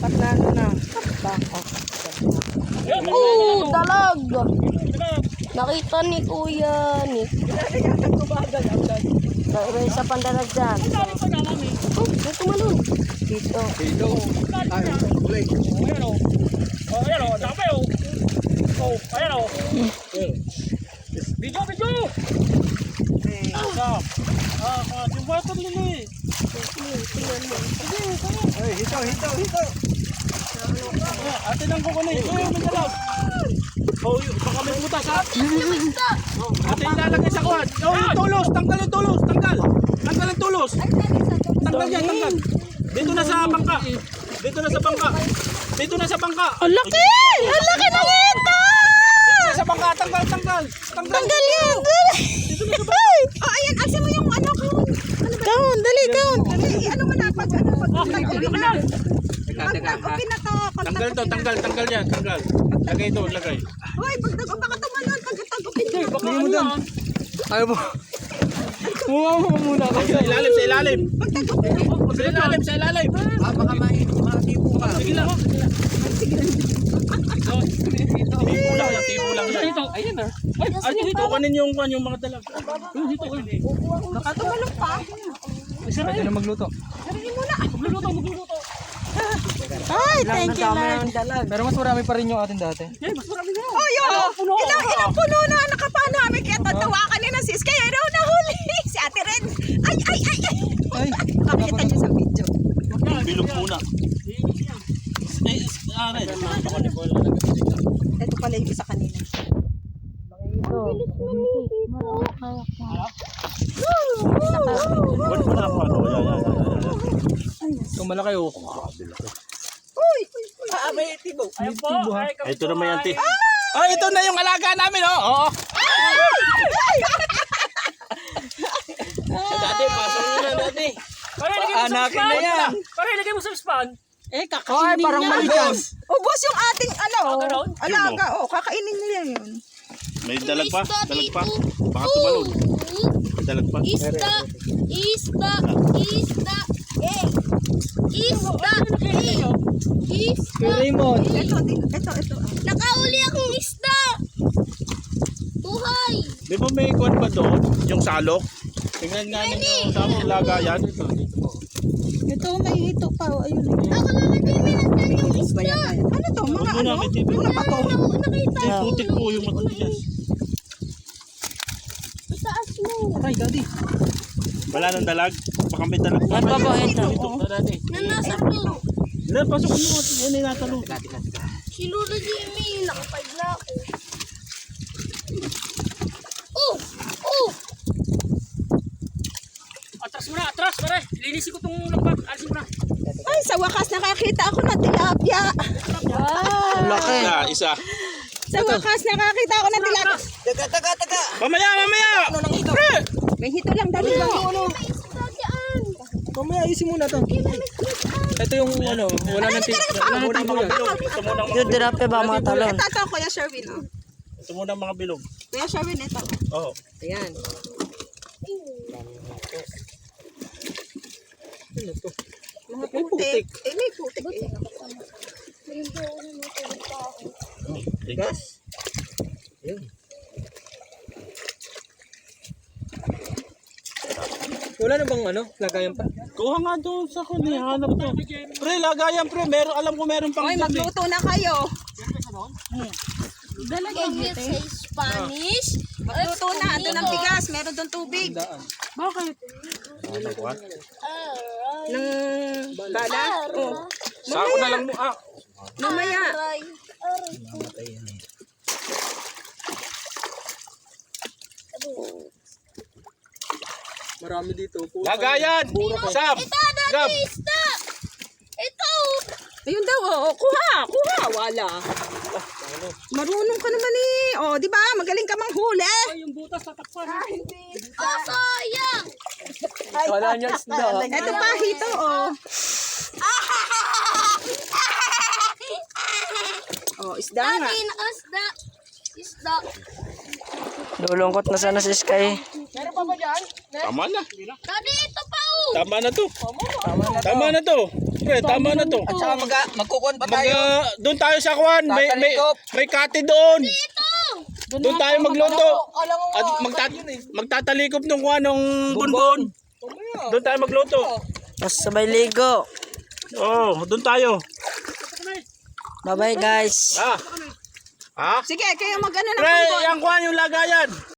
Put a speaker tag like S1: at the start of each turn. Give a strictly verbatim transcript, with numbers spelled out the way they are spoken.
S1: At na ano na. Bako. Oh, dalag. Nakita ni Kuya Nick. May isa pang dalag dyan. Oh, may tumalon. Dito.
S2: Dito. Ay, kulay.
S3: Ayan o. Oh, ayan o. Dami o. Oh, ayan o. Video, video. Ah, ah, yung water lili.
S2: Ay, hito, hito, hito.
S3: Ate nang kukunin. Ito yung mandalag. Oh, baka may butas ha. Ate ilalagay sa kuwan. Oh, yung tulos. Tanggal yung tulos. Tanggal. Tanggal ang tulos. Tanggal yan, tanggal. Dito na sa bangka. Dito na sa bangka. Dito na sa bangka.
S1: Ang laki! Ang laki ng ito!
S3: Dito na sa bangka. Tanggal, tanggal. Tanggal.
S1: Tanggal yan!
S3: Dito na sa bangka.
S4: Oh, ayan, aksin mo yung ano ko.
S1: Down, dali, down.
S4: Dali, ano mo na, pag ano, pag
S3: Ah,
S4: nag-uwi
S3: teka
S4: na.
S3: lang.
S4: Pag nag-uwi na to, pag
S3: Tanggal to, tanggal, tanggal yan, tanggal. Lagay ito, lagay.
S4: Hoy, pag nag baka tumalon, pag nag-uwi na.
S3: Baka ano yan?
S2: Ayaw mo. Muha mo muna ako.
S3: Sa ilalim, sa ilalim.
S4: Pag nag-uwi na.
S3: Sa ilalim, sa ilalim.
S2: Ah, baka matipo ka.
S3: Sige lang. Tipo lang yan, tipo lang yan. Ito, ayun na. Ay, ay, dito. Kukanin yung, yung mga dalag. Dito, dito.
S4: Tumalon pa.
S2: Pwede na magluto.
S4: Sarihin mo na.
S3: Magluluto, magluluto.
S1: Ay, thank you, Lord.
S2: Pero mas marami pa rin yung atin dati.
S3: Eh, mas marami na.
S4: Oh, yun.
S3: puno.
S4: Ilang, ilang puno na nakapano kami. Kaya tatawa kanina sis. Kaya raw nahuli. Si Ate Ren. Ay, ay, ay, ay.
S2: Ay,
S4: Makikita niyo sa video.
S3: Bilog muna. Eh, ah, red.
S4: Ito pala yung isa kanina.
S3: Wala mo na ako, ano? Yan, yan, yan.
S2: ito malaki oh.
S4: Uy,
S2: Ah, may tibo.
S3: Ayun po. Ay, ito naman yan, ti. Oh, ito na yung alaga namin, oh. Oo. Dati, pasok nyo na, dati.
S2: Anakin na yan.
S3: Pare, ilagay mo sa span.
S1: Eh,
S2: Ay,
S1: kakainin
S2: parang
S1: niya.
S2: maligas.
S4: ubos yung ating ano.
S3: Ah, ganon?
S4: Alaga, oh. Kakainin niya yun.
S5: May dalag pa? Dalag pa? Baka tumalon. May dalag pa?
S6: Isda, isda, isda, eh. Isda, eh. Isda.
S2: Raymond.
S4: Ito, din- ito, ito.
S6: Nakauli akong isda. Buhay.
S5: Di ba may kuwan pa doon? Yung salok? Tingnan nga ninyo sa among lagayan.
S1: Ito, may hito pa. oh, Ayun.
S6: Ako naman din minagdan yung isda.
S4: Ano to? Mga
S5: Huwag mo na,
S4: ano?
S5: may tibi.
S4: Yung napato.
S6: Ako nakita.
S5: Ay, putik po yung matigas.
S6: Itaas mo.
S2: Ay, daddy.
S5: Wala nang dalag? Baka may dalag pa.
S1: Ano pa po ito?
S5: Ito, dati.
S6: Na nasa to.
S5: Hindi, pasok mo. Yan ay natalo.
S6: Si Lolo Jimmy, nakapag na ako. Oh! Oh!
S3: Atras mo na, atras, pare. Linisin ko itong lambat. Alisin mo na.
S4: Ay, sa wakas nakakita ako ng tilapia.
S1: Laki.
S5: Isa, isa.
S4: Sa wakas nakakita ako ng tilapia.
S2: Taga, taga, taga.
S5: Mamaya, mamaya! Pre!
S4: May hito lang dali.
S6: May isda dyan.
S2: Mamaya ayusin muna to. Ito yung ano, wala nang tibo. Wala nang tibo yan.
S5: Ito muna ang mga
S1: Yung dirape ba mga talon?
S4: Ito, ito, Kuya Sherwin. Oh.
S5: Ito muna ang mga bilog.
S4: Kuya Sherwin, ito.
S5: Oo.
S4: Ayan. Mga putik. Eh, may putik eh.
S5: Tigas.
S2: Wala na bang ano, lagayan pa?
S5: Kuha nga doon sa kanya. Hanap to. Pre, lagayan pre. Meron, alam ko meron pang
S4: Hoy,
S5: doon eh.
S4: magluto na kayo.
S6: Can you say Spanish?
S4: Magluto na. Ando ng bigas. Meron doon tubig.
S2: Daan.
S5: Ano kuha?
S4: Ng bala. Oh.
S5: Sako na lang mo. Ah,
S4: Mamaya.
S6: Aray. Aray.
S2: Marami dito.
S5: lagayan! Sam!
S6: Ito, dati
S5: Gab!
S6: isda. Ito.
S4: Ayun daw, oh. Kuha, kuha. Wala. Marunong ka naman eh. Oh, di ba? Magaling ka manghuli.
S3: Ay, yung butas tatakpan.
S6: Oh, sayang.
S2: Wala niya isda.
S4: Ito pa, hito, oh. Oh, isda nga.
S6: Dati, nakasda. Isda.
S1: Lulungkot na sana si Sky.
S5: Tama na.
S6: Dati, ito pa oh.
S5: Tama na to. Tama na to.
S3: pre, tama na to.
S2: At saka mag magkukon pa
S3: Mag,
S2: tayo.
S3: ah, doon tayo sa kuwan. May, may,
S2: Tatalikop.
S3: may kate doon. Doon tayo magluto.
S2: Alam mo,
S3: At magtat magtatalikop nung kuwan, nung bunbon. Doon tayo magluto.
S1: Mas sabay ligo.
S3: Oo, oh, doon tayo.
S1: Bye-bye guys.
S3: Ah. Ha?
S4: Sige, kayo mag-ano na
S3: Pre,
S4: kung
S3: yung kuwan, yung lagayan.